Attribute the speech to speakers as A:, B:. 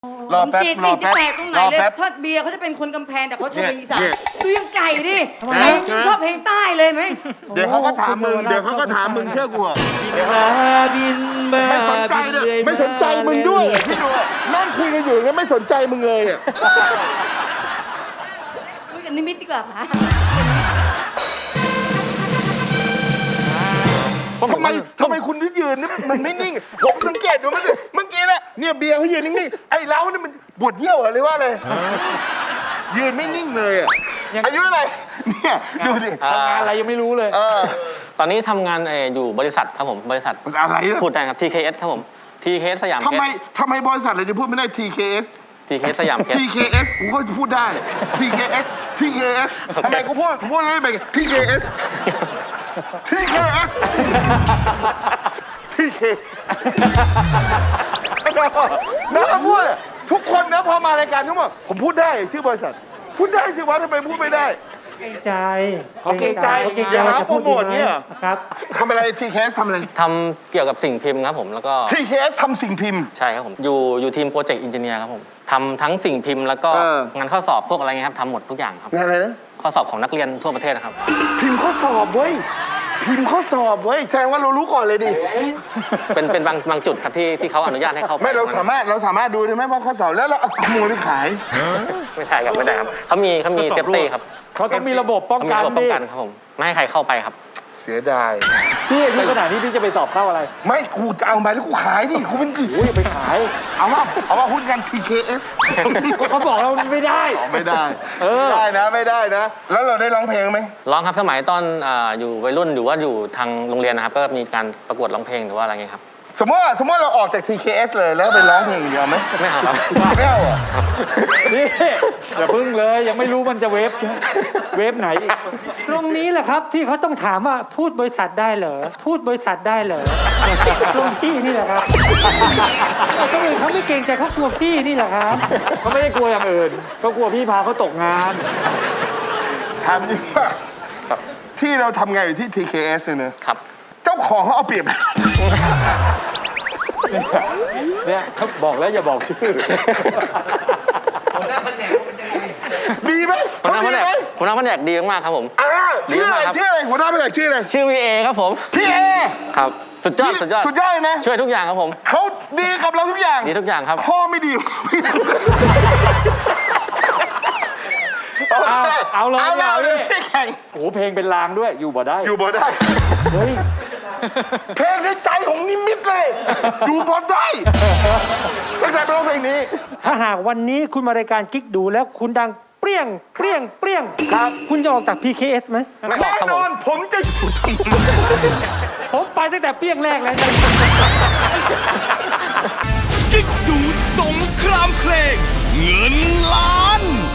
A: รอแป๊บ
B: จีด
A: รอ
B: นี่
A: แป๊บ
B: แปลกตรงไหน
A: รอ
B: เลย
A: แป๊บ
B: ทอดเบียร์เขาจะเป็นคนกำแพงแต่เขาชอบเพลงอีสาน
A: เนี่ย
B: ดูยังไก่ดิไก่ชอบเพลงใต้เลยไหม
A: เดี๋ยวเขาก็ถามมึงเดี๋ยวเขาก็ถามมึงเชื่อกูอะ
C: บินมา
A: ไม่สนใจเลยไม่สนใจมึงด้วยพี่ดูอะนั่งคุยกันอยู่แล้วไม่สนใจมึงเลยอ่ะ
B: คุยกันนิมิตดีกว่าปะ
A: ทำไมคุณที่ยืนนี่มันไม่นิ่งผมสังเกตดูมันสิเมื่อกี้เนี่ยเบียร์เขายืนนิ่งๆไอ้เราเนี่ยมันปวดเยี่ยวอะไรว่าเลยยืนไม่นิ่งเลยอ่ะอายุอะไรเนี่ยดูดิ
D: ทำงานอะไรยังไม่รู้เลย
C: ตอนนี้ทำงานอยู่บริษัทครับผมบริษัท
A: อะไรอะ
C: พูดได้ครับ TKS ครับผม TKS สยามเพ
A: ทำไม
C: ชร
A: บริษัทอะไรจะพูดไม่ได้ TKS
C: TKS สยามเพชร
A: TKS กูก็พูดได้ TKS ทำไมกูพูดไม่ไป TKS TKS TK น้าพูดอะทุกคนนะพอมารายการทุกคนผมพูดได้ชื่อบริษัทพูดได้สิวะทำไมพูดไม่ได้
E: เกรงใจ
A: เขาเกรงใจ
E: เขาเกรงใจ
A: อย่าหา
E: ว่าจะพูด
A: โปรโมท
E: ดีไหม
A: เนี่ย
E: ครับ
A: ทำอะไร TKS ทำอะไร
C: ทำเกี่ยวกับสิ่งพิมพ์ครับผมแล้วก็
A: TKS ทำสิ่งพิมพ์
C: ใช่ครับผมอยู่ทีมโปรเจกต์อินจิเนียร์ครับผมทำทั้งสิ่งพิมพ์แล้วก็
A: เออ
C: งานข้อสอบพวกอะไรเงี้ยครับทำหมดทุกอย่างครับ
A: งานอะไรนะ
C: ข้อสอบของนักเรียนทั่วประเทศนะครับ
A: พิมพ์ข้อสอบเว้ยพิมพ์ข้อสอบเว้ยแสดงว่าเรารู้ก่อนเลยดิ
C: เป็นบางจุดครับที่เขาอนุญาตให้เข้าไป
A: ไม่เราสามารถดูได้ไหมว่าข้อสอบแล้วเราเอาขโมยไปขาย
C: ไม่ใช่ครับไม่ได้ครับเขามีเซฟตี้ครับ
D: เขาต้องมีระบบป้อง
C: เขามี
D: กัน
C: ระบบป้
D: ดิ
C: องกันครับผมไม่ให้ใครเข้าไปครับ
A: เสียดาย
D: พี่อายุขนาดนี้พี่จะไปสอบเข้าอะไร
A: ไม่กูจะเอามาแล้วกูขายดิกูเป็นกี่
D: โอ้ยไปขาย
A: เอาว่าหุ้นกัน TKS
D: ก็เขาบอกเราไม่ได้
A: ไม่ได้
D: เออ
A: ไม่ได้นะ แล้วเราได้ร้องเพลงไหม
C: ร้องครับสมัยตอนอยู่วัยรุ่นหรือว่าอยู่ทางโรงเรียนนะครับ ก็มีการประกวดร้องเพลงหรือว่าอะไรเงี้ยครับ
A: สมมติเราออกจาก TKS เลยแล้วไปร้องเพลงอย่างเดียวไหม
C: ไม่เอาครับ
A: ไม่เอาอ่ะ
D: นี่อย่าพึ่งเลยยังไม่รู้มันจะเวฟไหนอีก
E: ตรงนี้แหละครับที่เขาต้องถามว่าพูดบริษัทได้เหรอพูดบริษัทได้เหรอตรงพี่นี่แหละครับตรงอื่นเขาไม่เกรงใจเขากลัวพี่นี่แหละครับ
D: เขาไม่ได้กลัวอย่างอื่นเขากลัวพี่พาเขาตกงาน
A: ถามจริงว่าที่เราทำงานอยู่ที่ TKS เนี่ยนะครับ เจ้าของเขาเอาเปรียบ
D: เนี่ยเขาบอกแล้วอย่าบอกชื่อ
A: ดีไหม
C: หัวหน้าแผนก
A: ดีไหม
C: หัวหน้าแผนกดีมากๆครับผม
A: ชื่ออะไร
C: ดีมากครับ
A: ชื่ออะไรหัวหน้าแผนกชื่ออะไร
C: ชื่อวีเอครับผม
A: พี่เอ
C: ครับสุดยอด
A: สุดยอดเลยนะ
C: ช่วยทุกอย่างครับผม
A: เขาดีกับเราทุกอย่าง
C: ดีทุกอย่างครับ
A: ข้อไม่ดี
D: เอาเลย
A: เอา
D: เอา
A: เล
D: เลย ย
A: ไม่แข่ง
D: โอ้โหเพลงเป็นลางด้วยอยู่บ่ได้
A: อยู่บ่ได้
D: เฮ้ย
A: เพลงในใจของนิมิตเลย อยู่บ่ได้ตั้งแต่เป็นเพลงนี้
E: ถ้าหากวันนี้คุณมารายการกิ๊กดูแล้วคุณดังเปรี้ยงเปรี้ยงเปรี้ยง
A: ครับ
E: คุณจะออกจาก PKS ไหม
C: ไม่ออก
A: แน่
C: ครับ
A: น
C: ผ
A: อ
C: ม
A: นผมจะอยู่
E: ผมไปตั้งแต่เปรี้ยงแรกแล้ว
F: กิ๊กดูสงครามเพลงเงินล้าน